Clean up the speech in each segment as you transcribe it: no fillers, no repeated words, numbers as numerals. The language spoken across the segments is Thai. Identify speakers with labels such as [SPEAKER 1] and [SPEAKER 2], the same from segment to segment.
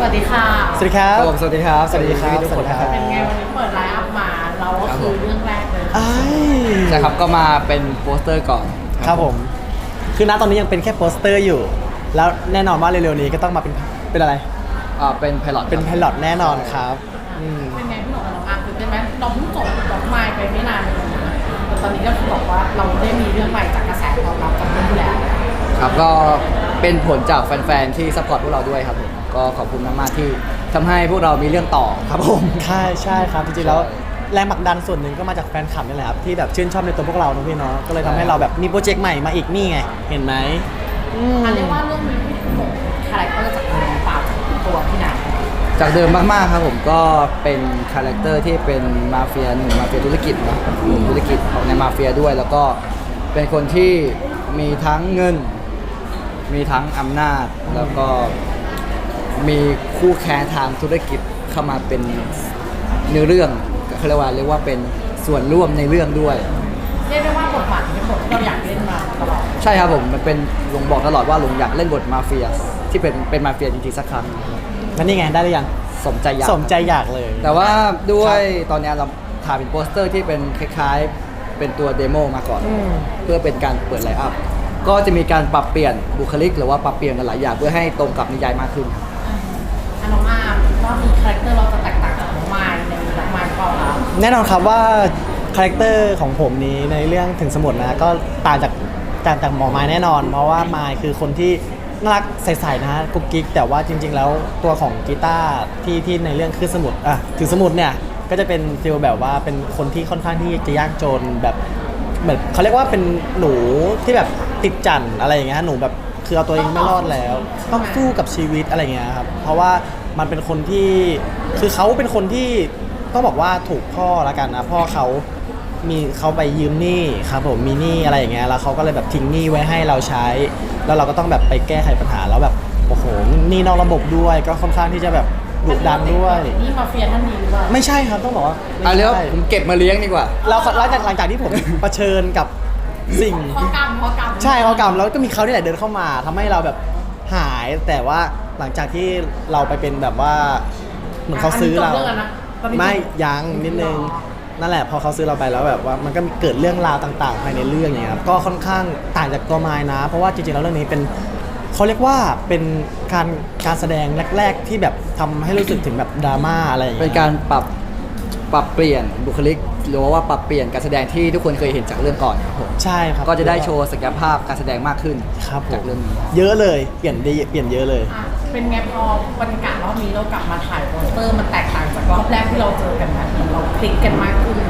[SPEAKER 1] วัสดีค่ะ
[SPEAKER 2] สวัสดีครับ
[SPEAKER 3] สวัสดีครับ
[SPEAKER 2] สวัสดีครับ
[SPEAKER 3] ทุกคนนะครับ
[SPEAKER 1] เป็นไงวันนี้เปิดไลฟ์อัพมาเราก็คือเรื่องแรกเลย
[SPEAKER 3] ใช่ครับก็มาเป็นโปสเตอร์ก่อน
[SPEAKER 2] ครับผมคือณตอนนี้ยังเป็นแค่โปสเตอร์อยู่ แล้วแน่นอนว่าเร็วๆนี้ก็ต้องมาเป็นอะไร
[SPEAKER 3] เป็นไพลอต
[SPEAKER 2] เป็นไพลอตแน่นอนครับ
[SPEAKER 1] เป็นไงพี่หนุ่มกับน้องอาร์มตื่นเต้นไหมเราเพิ่งจบดอกไม้ไปไม่นานเลยนะแต่ตอนนี้ก็คือบอกว่าเราได้มีเรื่องใหม่จากกระแสตอบรับจากเรื่องที่แล้ว
[SPEAKER 3] ครับก็เป็นผลจากแฟนๆที่ซัพพอร์ตพวกเราด้วยครับผมก็ขอบคุณมากๆที่ทำให้พวกเรามีเรื่องต่อครับผม
[SPEAKER 2] ใช่ครับจริงๆแล้วแรงผลักดันส่วนหนึ่งก็มาจากแฟนคลับนี่แหละครับที่แบบชื่นชอบในตัวพวกเราเนอะพี่เนาะก็เลยทำให้เราแบบมีโปรเจกต์ใหม่มาอีกนี่ไงเห็นไหม
[SPEAKER 1] อันเรียกว่าเรื่องนี้พี่หนุ่มคาแรคเตอร์จากเดิมเปล่าจากตัวพี่ไหน
[SPEAKER 3] จากเดิมมากๆครับผมก็เป็นคาแรคเตอร์ที่เป็นมาเฟียหนุ่มมาเฟียธุรกิจเนาะหนุ่มธุรกิจของในมาเฟียด้วย แล้วก็เป็นคนที่มีทั้งเงิน มีทั้งอำนาจแล้วก็มีคู่แข่งทางธุรกิจเข้ามาเป็นเนื้อเรื่องเขาเรียกว่าเป็นส่วนร่วมในเรื่องด้วย
[SPEAKER 1] เรียกได้ว่าบทบาทที่เป็นบทที่เราอยากเล่นมาตลอด
[SPEAKER 3] ใช่ครับผมมันเป็นลุงบอกตลอดว่าลุงอยากเล่นบทมาเฟียที่เป็นมาเฟียจริงๆสักครั้ง
[SPEAKER 2] แล้วนี่ไงได้หรือยัง
[SPEAKER 3] สมใจ
[SPEAKER 2] อยากเลย
[SPEAKER 3] แต่ว่าด้วยตอนนี้เราถ่ายเป็นโปสเตอร์ที่เป็นคล้ายๆเป็นตัวเดโมมาก่อนเพื่อเป็นการเปิดไลน์อัพก็จะมีการปรับเปลี่ยนบุคลิกหรือว่าปรับเปลี่ยนหลายอย่างเพื่อให้ตรงกับนิยายมากขึ้น
[SPEAKER 1] น้องอาร์มว่ามีคาแรคเตอร์เราจะแตกต่างจากน้องไมล์ในน้องไมล์เปล่าคะ
[SPEAKER 2] แน่นอนครับว่าคาแรคเตอร์ของผมนี้ในเรื่องถึงสมุดนะก็ต่างจากหมอไม้แน่นอน เพราะว่าไม้คือคนที่น่ารักใสๆนะกุ๊กกิ๊กแต่ว่าจริงๆแล้วตัวของกีตาร์ที่ในเรื่องคือสมุดถึงสมุดเนี่ยก็จะเป็นฟีลแบบว่าเป็นคนที่ค่อนข้างที่จะยากจนแบบเหมือนเขาเรียกว่าเป็นหนูที่แบบติดจั่นอะไรอย่างเงี้ยหนูแบบคือเอาตัวเองไม่รอดแล้วต้องสู้กับชีวิตอะไรเงี้ยครับเพราะว่ามันเป็นคนที่คือเขาเป็นคนที่ต้องบอกว่าถูกพ่อละกันนะพ่อเขาไปยืมหนี้ครับผมมีหนี้อะไรอย่างเงี้ยแล้วเขาก็เลยแบบทิ้งหนี้ไว้ให้เราใช้แล้วเราก็ต้องแบบไปแก้ไขปัญหาแล้วแบบโอ้โหหนี้นอกระบบด้วยก็ค่อนข้างที่จะแบบดุดันด้วย
[SPEAKER 1] นี่มาเฟียท่านนี้หรือเปล่า
[SPEAKER 2] ไม่ใช่ครับต้องบอกว่า
[SPEAKER 3] เรียกว่าผมเก็บมาเลี้ยงดีกว่า
[SPEAKER 2] เราหลังจากที่ผมเผชิญกับสิ่ง
[SPEAKER 1] ข้อกรรม
[SPEAKER 2] ใช่ข้อกรรมแล้วก็มีเขาที่ไหนเดินเข้ามาทำให้เราแบบหายแต่ว่าหลังจากที่เราไปเป็นแบบว่าเหมือนเขาซื้อเราไม่ยังนิดนึงนั่นแหละพอเขาซื้อเราไปแล้วแบบว่ามันก็เกิดเรื่องราวต่างๆภายในเรื่องอย่างเงี้ยครับก็ค่อนข้างต่างจากตัวไม้นะเพราะว่าจริงๆแล้วเรื่องนี้เป็นเขาเรียกว่าเป็นการแสดงแรกๆที่แบบทำให้รู้สึกถึงแบบดราม่าอะไรอย่างเงี้ย
[SPEAKER 3] เป็นการปรับเปลี่ยนบุคลิกหรือว่าปรับเปลี่ยนการแสดงที่ทุกคนเคยเห็นจากเรื่องก่อนครับผม
[SPEAKER 2] ใช่ครับ
[SPEAKER 3] ก็จะได้โชว์ศักยภาพการแสดงมากขึ้น
[SPEAKER 2] ครับ
[SPEAKER 3] จากเรื่องนี้
[SPEAKER 2] เยอะเลยเปลี่ยนเยอะเลย
[SPEAKER 1] เป็นไงพอบรรยากาศรอบนี้เรากลับมาถ่ายโปสเตอร์มันแตกต่างจากรอบแรกที่เราเจอกันนะเราคลิกกันมากขึ้น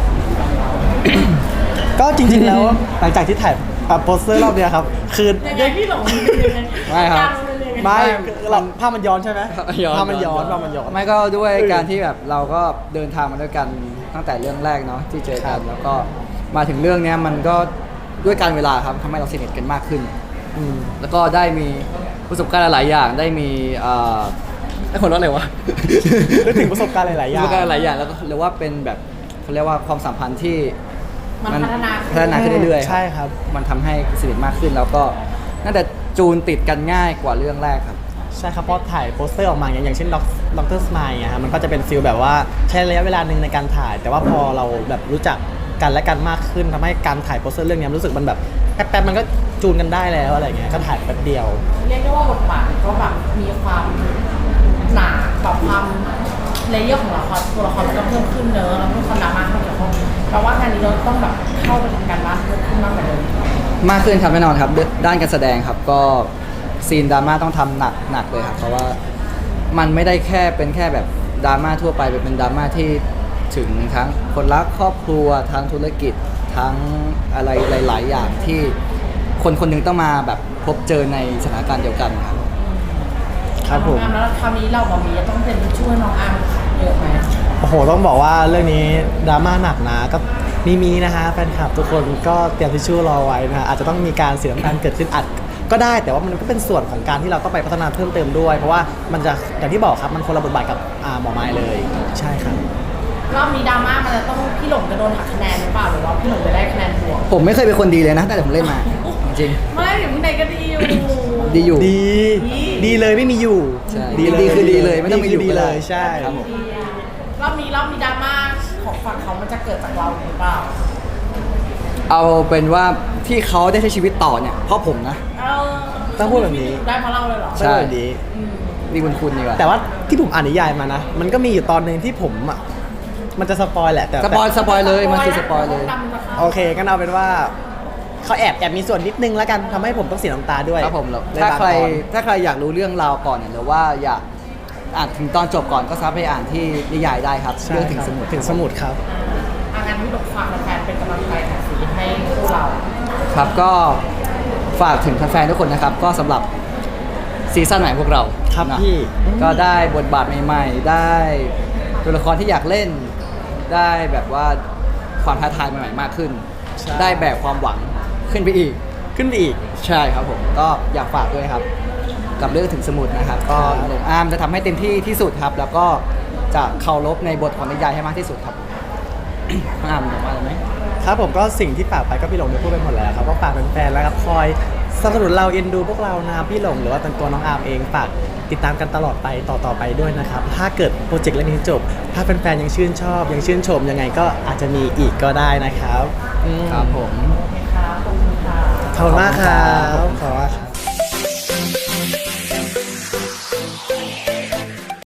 [SPEAKER 2] ก็จริงๆแล้วหลังจากที่ถ่ายโปสเตอร์รอบเนี้ยครับคือ
[SPEAKER 1] ยังไงพี่หลง
[SPEAKER 3] ไม่ครับ
[SPEAKER 2] ไม่เราภาพมันย้อนใช่ไหมภาพมันย้อน
[SPEAKER 3] ไม่ก็ด้วยการที่แบบเราก็เดินทางมาด้วยกันตั้งแต่เรื่องแรกเนาะที่เจอกันแล้วก็มาถึงเรื่องนี้มันก็ด้วยการเวลาครับทำให้เราสนิทกันมากขึ้นแล้วก็ได้มีประสบการณ์หลายอย่างได้มีไอ้คนร้อนอะไรวะ
[SPEAKER 2] ได้ถึงประสบการณ์หลายๆอย่าง
[SPEAKER 3] แล้วก็เรียกว่าเป็นแบบเขาเรียกว่าความสัมพันธ์ที่
[SPEAKER 1] มันพัฒ
[SPEAKER 3] นาขึ้นเรื่อย
[SPEAKER 2] ๆใช่ครับ
[SPEAKER 3] มันทำให้สนิทมากขึ้นแล้วก็น่าจะจูนติดกันง่ายกว่าเรื่องแรกครับ
[SPEAKER 2] ใช่ครับเพราะถ่ายโปสเตอร์ออกมาอย่างเช่นด็อกเตอร์สไมล์ฮะมันก็จะเป็นฟีลแบบว่าใช้ระยะเวลาหนึ่งในการถ่ายแต่ว่าพอเราแบบรู้จักกันและกันมากขึ้นทำให้การถ่ายโปสเตอร์เรื่องนี้รู้สึกมันแบบแป๊บๆมันก็จูนกันได้แล้วอะไรเงี้ยก็ถ่ายแป๊บเดียว
[SPEAKER 1] เรียกได้ว่าบทบาทก็แบบมีความหนาแบบความเลเยอร์ของตัวละครมันก็เพิ่มขึ้นเนอะแล้วก็ความดราม่าเข้าเกี่ยวข้องแปลว่างานนี้เราต้องแบบเข้าไปทำการบ้านเพิ่มขึ้นมากกว่าเดิม
[SPEAKER 3] มากขึ้นครับแน่นอนครับด้านการแสดงครับก็ซีนดราม่าต้องทำหนักเลยครับเพราะว่ามันไม่ได้เป็นแค่แบบดราม่าทั่วไปเป็นดราม่าที่ถึงทั้งคนรักครอบครัวทั้งธุรกิจทั้งอะไรหลายๆอย่างที่คนหนึ่งต้องมาแบบพบเจอในสถานการณ์เดียวกัน
[SPEAKER 2] ครับผม
[SPEAKER 1] แล้วคราวนี้เราบอกมีจะต้องเป็นช่วยน้องอาร์มเยอะไหม
[SPEAKER 2] โอ้โหต้องบอกว่าเรื่องนี้ดราม่าหนักนะก็มีนะฮะแฟนคลับทุกคนก็เตรียมทิชชู่รอไว้นะอาจจะต้องมีการเสียน้ำตาลเกิดขึ้นอัดก็ได้แต่ว่ามันก็เป็นส่วนของการที่เราต้องไปพัฒนาเพิ่มเติมด้วยเพราะว่ามันจะอย่างที่บอกครับมันคนละบทบาทกับหมอไม้เลยใช่ครับ
[SPEAKER 1] รอบนี้ดราม่ามันจะต้องพี่หลงจะโดนหักคะแนนหรือเปล่าหรือว่าพี่หลงจะได้คะแนนบวก
[SPEAKER 3] ผมไม่เคยเป็นคนดีเลยนะแต่ผมเล่นมาจริง
[SPEAKER 1] ไม่ถึงพี่ไหนก็ดีอยู่
[SPEAKER 3] ดีอยู่
[SPEAKER 2] ดี ดีเลยไม่มีอยู่
[SPEAKER 3] ใช่
[SPEAKER 2] ดีเลย
[SPEAKER 3] ดีคือดีเลยไม่ต้องมีอยู่
[SPEAKER 2] ดี
[SPEAKER 3] ก็
[SPEAKER 2] เล
[SPEAKER 3] ได้
[SPEAKER 2] ยใช่
[SPEAKER 3] ครับผม
[SPEAKER 1] รอบนี้ดราม่าของฝั่งเขามันจะเกิดจากเราหรือเปล่า
[SPEAKER 3] เอาเป็นว่าที่เขาได้ใช้ชีวิตต่อเนี่ยเพราะผมนะ
[SPEAKER 1] เออ
[SPEAKER 2] ต้องพูดแบบนี้
[SPEAKER 1] ได้เพราะเราเลยเหรอ
[SPEAKER 3] ใช่
[SPEAKER 2] ไม่ดี
[SPEAKER 1] อืม
[SPEAKER 3] นี่คุณดีกว่า
[SPEAKER 2] แต่ว่าที่ผมอ่านนิยายมานะ มันก็มีอยู่ตอนหนึ่งที่ผมอ่ะมันจะสปอยแหละแต่
[SPEAKER 3] สปอยเลยมันคือสปอยเลย
[SPEAKER 2] โอเคงั้นเอาเป็นว่าเขาแอบมีส่วนนิดนึงแล้วกันทำให้ผมต้องเสียน้ำตาด้วย
[SPEAKER 3] ครับผมแล้ว
[SPEAKER 2] ใน
[SPEAKER 3] ถ้า
[SPEAKER 2] บาง
[SPEAKER 3] ใคร
[SPEAKER 2] ตอน
[SPEAKER 3] ถ้าใครอยากรู้เรื่องราวก่อนเนี่ยหรือว่าอยากอ่านถึงตอนจบก่อนก็สามารถไปอ่านที่นิยายได้ครับ
[SPEAKER 2] ใช่
[SPEAKER 3] เรื่องถึง
[SPEAKER 2] ครับ
[SPEAKER 3] สมุด
[SPEAKER 2] ถึงสมุดครับ
[SPEAKER 1] งานที่บอกฝากแฟนๆเป็นกำลังใจหน่อยสิให้คู่เรา
[SPEAKER 3] ครับก็ฝากถึงแฟนๆทุกคนนะครับ ก็สำหรับซีซั่นใหม่พวกเรา
[SPEAKER 2] ครับ
[SPEAKER 3] นะ
[SPEAKER 2] พี่
[SPEAKER 3] ก็ได้บทบาทใหม่ๆ ได้ตัวละครที่อยากเล่น ได้แบบว่าความท้าทายใหม่ๆมากขึ้น
[SPEAKER 2] ใช่
[SPEAKER 3] ได้แบบความหวังขึ้นไปอีก
[SPEAKER 2] ขึ้นไปอีก
[SPEAKER 3] ใช่ครับผมก็อยากฝากด้วยครับ กับเรื่องถึงสมุดนะครับ ก็
[SPEAKER 2] ครับ
[SPEAKER 3] หลงอาร์มจะทำให้เต็มที่ที่สุดครับ แล้วก็จะเคารพในบทของนิยายให้มากที่สุดครับ น้องอาร์มบอกว่าอะไรไหม
[SPEAKER 2] ครับผมก็สิ่งที่ฝากไปก็พี่หลงได้พูดไปหมดแล้วครับว่าฝากแฟนๆแล้วครับคอยสนับสนุนเราเอ็นดูพวกเรานะครับพี่หลงหรือว่าตัวน้องอาร์มเองฝากติดตามกันตลอดไปต่อไปด้วยนะครับถ้าเกิดโปรเจกต์เรื่องนี้จบ ถ้าแฟนๆยังชื่นชอบยังชื่นชมยังไงก็อาจจะมีอีกก็ได้นะครับอืม
[SPEAKER 3] ครับผม
[SPEAKER 1] โอเคค่ะขอบคุณค่ะ
[SPEAKER 2] ขอบคุณมากครับขอบคุณมากครับ